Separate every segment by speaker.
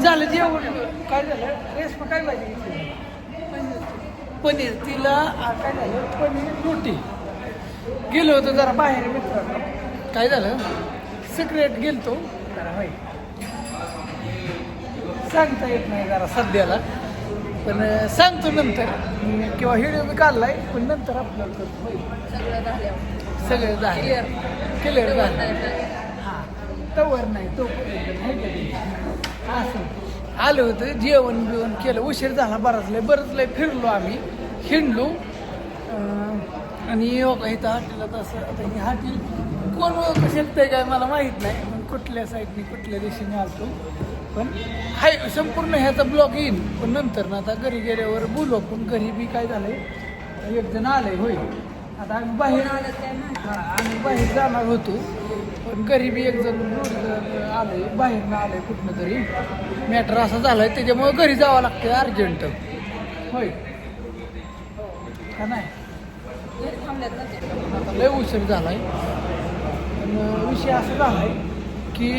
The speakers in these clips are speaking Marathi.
Speaker 1: झालं जेवण काय झालं रेस काय भाजी घेतली पनीर तिला काय झालं पनीर रोटी गेलो होतो जरा बाहेर मित्रांनो काय झालं सिक्रेट गेलतो जरा होय सांगता येत नाही जरा सध्याला पण सांगतो नंतर किंवा व्हिडिओ मी काढलाय पण नंतर अपलोड करतो होय सगळं झालं क्लिअर झालं हां तवर नाही तो असं आलं होतं जेवण बिवण केलं उशीर झाला बरंच लय फिरलो आम्ही हिंडलो आणि इथं हॉटेलात असं आता ही हॉटेल कोण ओळखू शकतंय काय मला माहीत नाही मग कुठल्या साईडने कुठल्या दिशेने आलतो पण हाय संपूर्ण ह्याचा ब्लॉग येईल पण नंतर ना आता घरी गेल्यावर बोलू पण घरी बी काय झालंय एक जण आलंय होय आता आम्ही बाहेर हां आम्ही बाहेर जाणार होतो पण गरीबी एक जण आलंय बाहेरनं आलंय कुठनं तरी मॅटर असा झालाय त्याच्यामुळे घरी जावं लागतं अर्जंट होय का नाही आता लय उशीर झालाय पण विषय असा झालाय की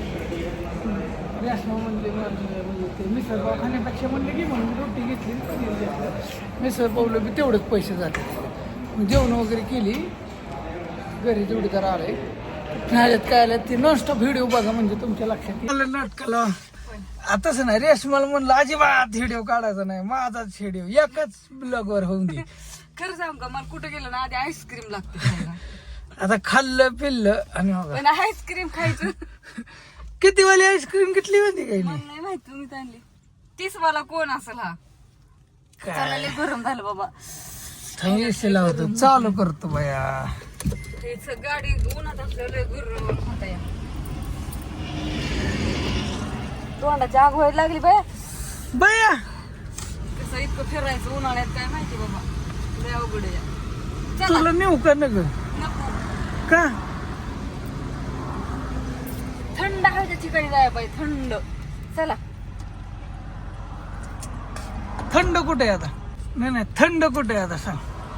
Speaker 1: रेशमा म्हणजे ते मिसळपाव खाण्यापेक्षा म्हणले की म्हणून रोटी घेतली पनीर घेतलं मिसळपावला बी तेवढंच पैसे झाले जेवण वगैरे केली घरी जोडीदार आले ह्याच्यात काय आलं ते नॉनस्टॉप व्हिडिओ बघा म्हणजे तुमच्या लक्षात येईल नाटकाला आताच नाही रेशमाला म्हणलं अजिबात व्हिडिओ काढायचा नाही माझाच व्हिडिओ एकच ब्लॉगवर होऊन दे
Speaker 2: खरं सांग का मला कुठं गेलं ना आधी आईस्क्रीम लागते
Speaker 1: आता खाल्लं पिल्लं आणि
Speaker 2: पण आईस्क्रीम खायचं
Speaker 1: किती वाली आईस्क्रीम घेतली होती काही
Speaker 2: मला नाही माहिती तुम्ही आणली 30 वाला कोण असेल हा चालले गरम झालं बाबा
Speaker 1: थंडी लावतो चालू करतो बाया
Speaker 2: तेच गाडी उन्हात असलेलं गरम खाता या तोंडाची आग व्हायला लागली बाया
Speaker 1: बाया
Speaker 2: कसं इतकं फिरायचं उन्हाळ्यात काय माहिती बाबा लय अवघड आहे
Speaker 1: तुला नेऊ का न ग
Speaker 2: नको
Speaker 1: का
Speaker 2: थंड हवेच्या ठिकाणी जायला पाहिजे थंड चला
Speaker 1: थंड कुठे आहे आता नाही थंड कुठे आहे आता सांग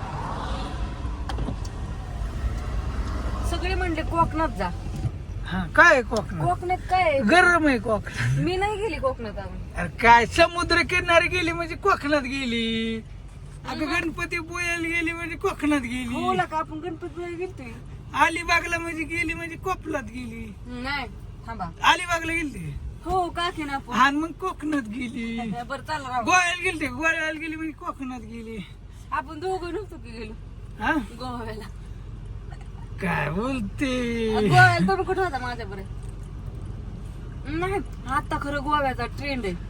Speaker 2: सगळे म्हणले कोकणात जा
Speaker 1: हा काय कोकणात
Speaker 2: कोकणात काय
Speaker 1: गरम आहे कोकणात
Speaker 2: मी नाही गेली कोकणात अजून
Speaker 1: अरे काय समुद्र किनारी गेली म्हणजे कोकणात गेली अगं गणपती पोयाला गेली म्हणजे कोकणात गेली
Speaker 2: हो का आपण गणपती गेलतोय
Speaker 1: अलिबागला म्हणजे गेली म्हणजे कोकणात गेली
Speaker 2: नाही थांबा
Speaker 1: अलिबागला गेली
Speaker 2: हो काकी ना आपण
Speaker 1: हा मग कोकणात गेली
Speaker 2: बरं चाल राव
Speaker 1: गोव्याला गेली गोव्याला गेली म्हणजे कोकणात गेली
Speaker 2: आपण दोघं नव्हतो की गेलो
Speaker 1: हा
Speaker 2: गोव्याला
Speaker 1: काय बोलते
Speaker 2: गोव्याला तुम्ही कुठं होता माझ्या बरं नाही आता खरं गोव्याचा ट्रेंड आहे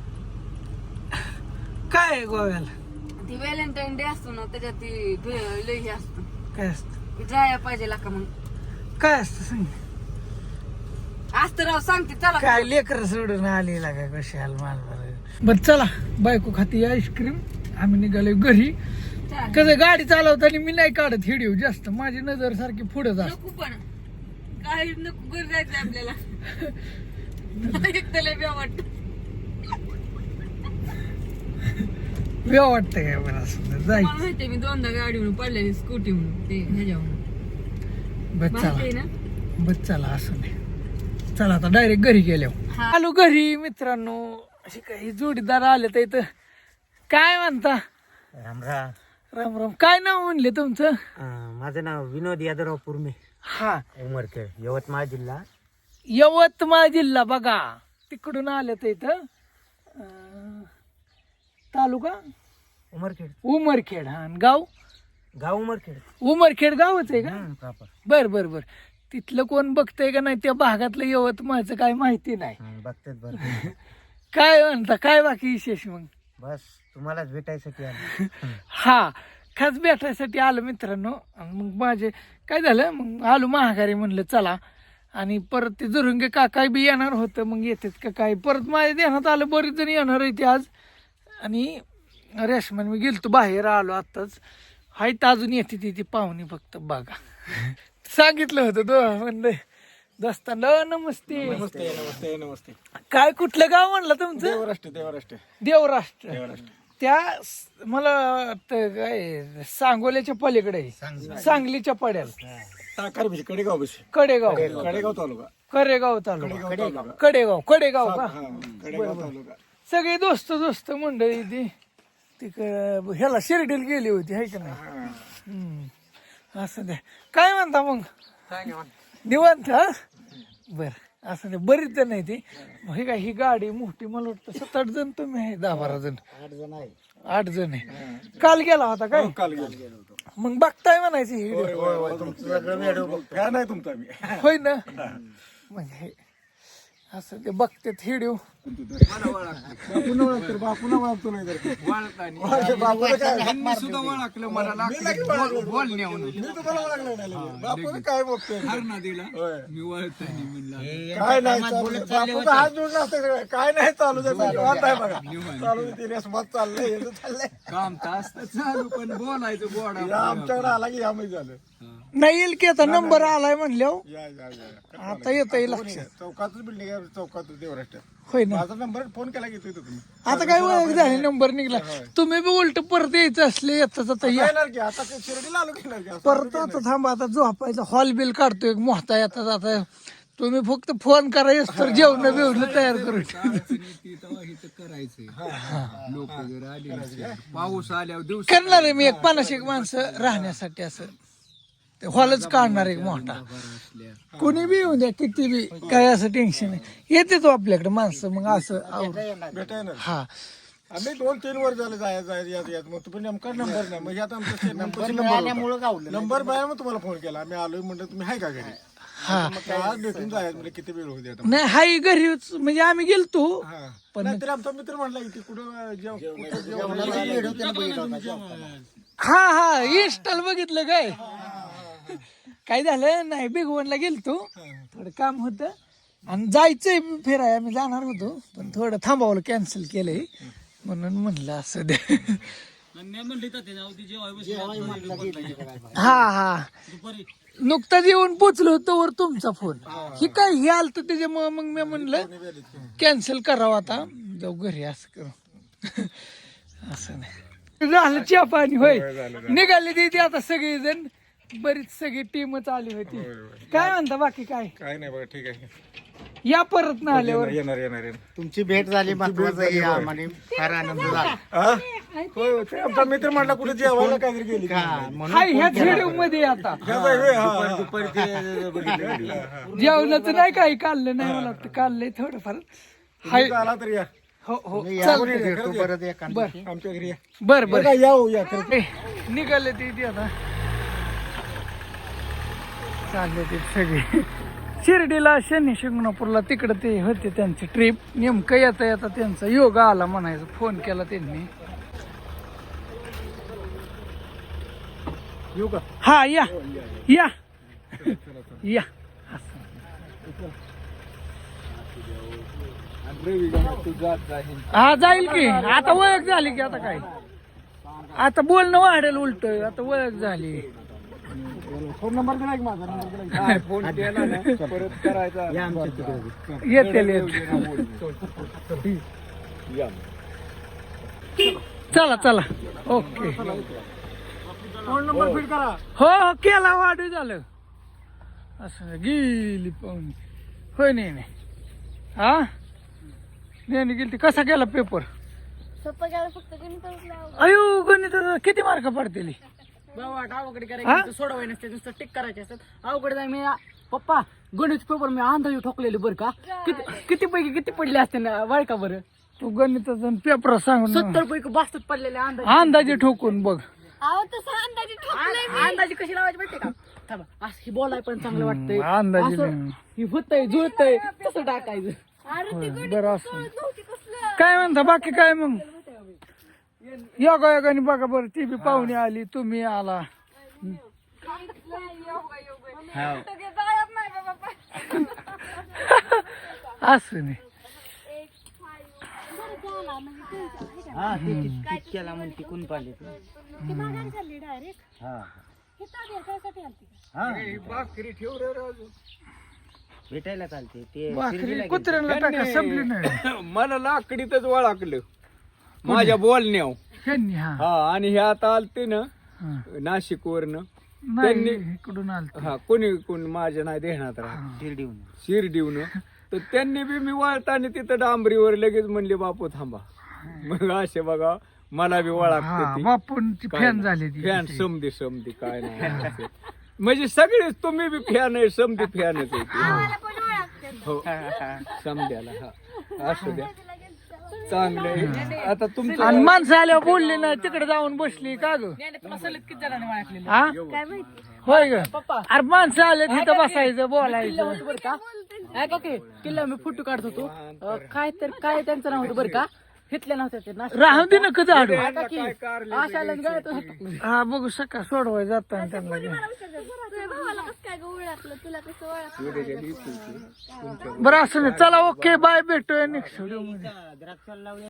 Speaker 1: काय आहे गोव्याला
Speaker 2: ती व्हॅलेंटाईन डे असतो ना त्याच्यात ती लय हे असतो
Speaker 1: काय असत
Speaker 2: जायला पाहिजे का मग
Speaker 1: काय असतं सांग
Speaker 2: असतं राव सांगते चला
Speaker 1: काय लेकर सोडून आलेला का कशाल माल बर चला बायको खाती आईस्क्रीम आम्ही निघालो घरी कसं गाडी चालवताना मी नाही काढत व्हिडिओ जास्त माझी नजर सारखी पुढे जास्त
Speaker 2: नको पण काही नको घरी जायचं आपल्याला एक त्याला बी वाटत
Speaker 1: वेळ वाटतं काय बरं असं
Speaker 2: मला
Speaker 1: जायचं
Speaker 2: माहितीये मी दोनदा गाडीवरून पडलेली स्कूटी म्हणून ते ह्याच्यावरून
Speaker 1: बस
Speaker 2: माहिती
Speaker 1: चला
Speaker 2: ना
Speaker 1: बस चला असं नाही चला आता डायरेक्ट घरी गेल्यावर आलो घरी मित्रांनो असे काही जोडीदार आले तर इथं काय म्हणता
Speaker 3: राम राम
Speaker 1: राम राम काय नाव म्हणले तुमचं
Speaker 3: माझं नाव विनोद यादवराव पुरमे
Speaker 1: हा
Speaker 3: उमरखेड यवतमाळ जिल्हा
Speaker 1: यवतमाळ जिल्हा बघा तिकडून आले तर इथं तालुका
Speaker 3: उमरखेड
Speaker 1: उमरखेड हा आणि गाव
Speaker 3: गाव उमरखेड
Speaker 1: उमरखेड गावच आहे का
Speaker 3: प्रॉपर
Speaker 1: बर बर बर तिथलं कोण बघतंय का नाही त्या भागातलं यवतमाळचं काय माहिती नाही
Speaker 3: बघतेच बरं
Speaker 1: काय म्हणता काय बाकी विशेष मग
Speaker 3: बस तुम्हालाच भेटायसाठी आलो
Speaker 1: हा खास भेटायसाठी आलो मित्रांनो आणि मग माझे काय झालं मग आलो महागारी म्हणलं चला आणि परत ते जरुंगे काका बी येणार होतं मग येतेच का काय परत माझ्या ध्यानात आलं बरेच जण येणार आहे ते आज आणि रेशमान मी गेलतो बाहेर आलो आत्ताच हायत अजून येते ती पाहुणी फक्त बघा सांगितलं होतं तो म्हणलं दोस्तांना नमस्ते
Speaker 4: नमस्ते नमस्ते नमस्ते
Speaker 1: काय कुठलं गाव म्हणलं तुमचं
Speaker 4: देवराष्ट्र देवराष्ट्र
Speaker 1: देवराष्ट्र त्या मला वाटतं काय सांगोल्याच्या पलीकडे आहे. सांगलीच्या पड्याला
Speaker 4: टाकार बशी कडेगाव बशी
Speaker 1: कडेगाव
Speaker 4: कडेगाव तालुका
Speaker 1: करेगाव तालुका
Speaker 4: कडेगाव
Speaker 1: कडेगाव का
Speaker 4: कडेगाव तालुका
Speaker 1: सगळी दोस्त मंडळी ती तिकडं ह्याला शिर्डीला गेली होती हाय का नाही असं द्या काय म्हणता मग निवांत हा बर असं नाही बरीच जण आहे ती हे काय ही गाडी मोठी मला वाटतं 7-8 जण तुम्ही आहे 10-12 जण 8 जण आहे काल गेला होता काय
Speaker 4: काल गेलो
Speaker 1: मग बघताय म्हणायची ही
Speaker 4: काय नाही तुमचा मी
Speaker 1: होय ना मग हे असं ते बघतात हिडिओ
Speaker 4: बापून ओळखतो बापून ओळखतो नाही तर बापूला काय
Speaker 5: सुद्धा ओळखलं मला बोलण्या
Speaker 4: मी तुम्हाला ओळखलं नाही बापूला काय बघतोय
Speaker 5: ना दिला मी ओळखताना म्हणला
Speaker 4: काय नाही बापूचा हात जोडला असतं सगळं काय नाही चालू निवांत आहे बघा चालू तिने मत चाललंय चाललंय
Speaker 5: काम तास चालू पण बोलायचं बोडा
Speaker 4: या आमच्याकडे आला की यामध्ये झालं
Speaker 1: नाही येईल की आता नंबर आलाय म्हणल्यावर
Speaker 4: या
Speaker 1: आता येत लक्षात
Speaker 4: चौकातच बिल्डिंग आहे चौकातच देवराष्ट्र
Speaker 1: होय ना
Speaker 4: माझा नंबर फोन केला घेतोय तुम्ही
Speaker 1: आता काय ओळख झाली नंबर निघला तुम्ही बी उलट परत यायचं असले येतच आता या
Speaker 4: येणार की आता ते शिर्डीला आलो की नाही
Speaker 1: परत आता थांबा आता झोपायचा हॉल बिल काढतोय एक मोहता येतात आता तुम्ही फक्त फोन करायचं तर जेवण बिवणं तयार करून
Speaker 5: इथं करायचंय लोक जर आले नसते, पाऊस आल्यावर दिवस
Speaker 1: करणार आहे मी एक 50 माणसं राहण्यासाठी असं ते हॉलच काढणार एक मोठा कोणी बी येऊ द्या किती बी काय असं टेन्शन नाही येते तो आपल्याकडे माणसं मग असं
Speaker 4: भेटाय ना
Speaker 1: हा
Speaker 4: आम्ही 2-3 वर झालं जायचं मग तुम्ही नेमका नंबर नाही मग आता आमचा नंबर बाया मग तुम्हाला फोन केला आम्ही आलोय म्हणलं तुम्ही आहे का घरी
Speaker 1: हा
Speaker 4: मग आज भेटून जायचं म्हणजे किती वेळ होते आता
Speaker 1: नाही हाय घरीच म्हणजे आम्ही गेलतो
Speaker 4: पण नाहीतर आमचा मित्र म्हटला की कुठं
Speaker 1: हा इन्स्टॉल बघितलं काय झालं नाही बिगवनला गेलतो थोडं काम होतं आणि जायचंय फिराय आम्ही जाणार होतो पण थोडं थांबावलं कॅन्सल केलंय म्हणून म्हणलं असं दे हा नुकताच येऊन पोचलो तोवर तुमचा फोन ही काय हे आलं तर त्याच्यामुळे मग मी म्हणलं कॅन्सल करावं आता जाऊ घरी असं करू असं नाही झालं चहा पाणी होय निघाली ती आता सगळीजण बरीच सगळी टीमच आली होती काय म्हणता बाकी काय
Speaker 4: काय नाही बघा ठीक आहे
Speaker 1: या परत ना आल्यावर
Speaker 4: येणार
Speaker 3: तुमची भेट झाली महत्वाचं आम्हाला फार आनंद झाला
Speaker 4: होय ते आमचा मित्र म्हटला कुठे जेवायला काहीतरी गेली
Speaker 1: हाय ह्याच व्हिडिओ मध्ये आता जेवणाचं नाही काही काढलं नाही मला वाटतं काढलंय थोडंफार हाय
Speaker 4: आला तर या
Speaker 1: हो हो
Speaker 3: भेटतो परत एका
Speaker 4: आमच्या घरी या
Speaker 1: बर बर
Speaker 4: या
Speaker 1: निघाले ते आता चालले ते सगळे शिर्डीला शनी शिंगणापूरला तिकडे ते होते त्यांची ट्रिप नेमकं येता येता त्यांचा योगा आला म्हणायचं फोन केला त्यांनी
Speaker 4: येऊ का
Speaker 1: हा या या या हा जाईल की आता ओळख झाली की आता काय आता बोलणं वाढेल उलट आता ओळख झाली
Speaker 4: फोन नंबर दिला की माझा नंबर फोन केला ना परत करायचा
Speaker 1: येते चला चला ओके
Speaker 4: फोन नंबर फीड करा
Speaker 1: हो केला वाढ झालं असं गेली पाहुणे होय नाही हा नाही गेली कसा केला पेपर अयो गणित किती मार्क पडतील
Speaker 2: अवघड करायचं सोडवाय नसते नुसतं टिक करायचे असतात अवघड मी पप्पा गणित पेपर मी अंदाजे ठोकलेले बरं का किती पैकी किती पडले असते ना वळ का बरं
Speaker 1: तू गणिताचा पेपर सांग
Speaker 2: 70 पैकी 62 पडलेले
Speaker 1: अंदाजे ठोकून बघ
Speaker 2: अंदाजे कशी लावायची माहिती का थांबा असं ही बोलाय पण चांगलं वाटतंय
Speaker 1: अंदाजे
Speaker 2: असं ही होतंय जुळतंय तसं टाकायचं
Speaker 1: बरं असं काय म्हणता बाकी काय मग योगायोगाने बघा बरं ती बी पाहुणे आली तुम्ही आला असं नाही
Speaker 3: केला म्हणून टिकून पाहिले भेटायला चालते ते
Speaker 1: भाकरी कुत्र्यांना टाका संपली नाही
Speaker 5: मला लाकडीतच ओळखलं माझ्या बोलण्याव
Speaker 1: ह्यांनी हा
Speaker 5: हा आणि हे आता आलते ना
Speaker 1: हा.
Speaker 5: नाशिक वरनं
Speaker 1: नाही इकडून आलतो.
Speaker 5: हा कोणी माझ्या नाही देण्यात राहत शिर्डीहून तर त्यांनी बी मी वळताना तिथं डांबरीवर लगेच म्हणले बापू थांबा. मग असे बघा मला बी वळखते
Speaker 1: बापूंची फॅन झाली ती.
Speaker 5: फॅन समधी काय नाही म्हणजे सगळेच तुम्ही बी फॅन आहे समधी फॅनच आहे हो समद्याला हा असू द्या चांगलं आहे. आता तुमचं
Speaker 1: आणि माणसं आल्यावर बोलले नाही तिकडे जाऊन बसली का ग
Speaker 2: तुला सलग किती जणांनी ओळखलेलं
Speaker 1: हा होय ग अरे माणसं आले तिथं बसायचं बोलायचं
Speaker 2: किल्ल्यावर बरं का ऐका की किल्ला मी फोटो काढत होतो काय त्यांचं नाव होतं बरं का घेतल्या नव्हत्या ते नाशिक.
Speaker 1: राहून दे ना कधी आडू
Speaker 2: ऐका की आशाला गळ्यात हात-
Speaker 1: हा बघू सकाळ सोडवाय जाताना त्यांना घे. बरं असं नाही चला ओके बाय भेटूया नेक्स्ट व्हिडिओ मध्ये.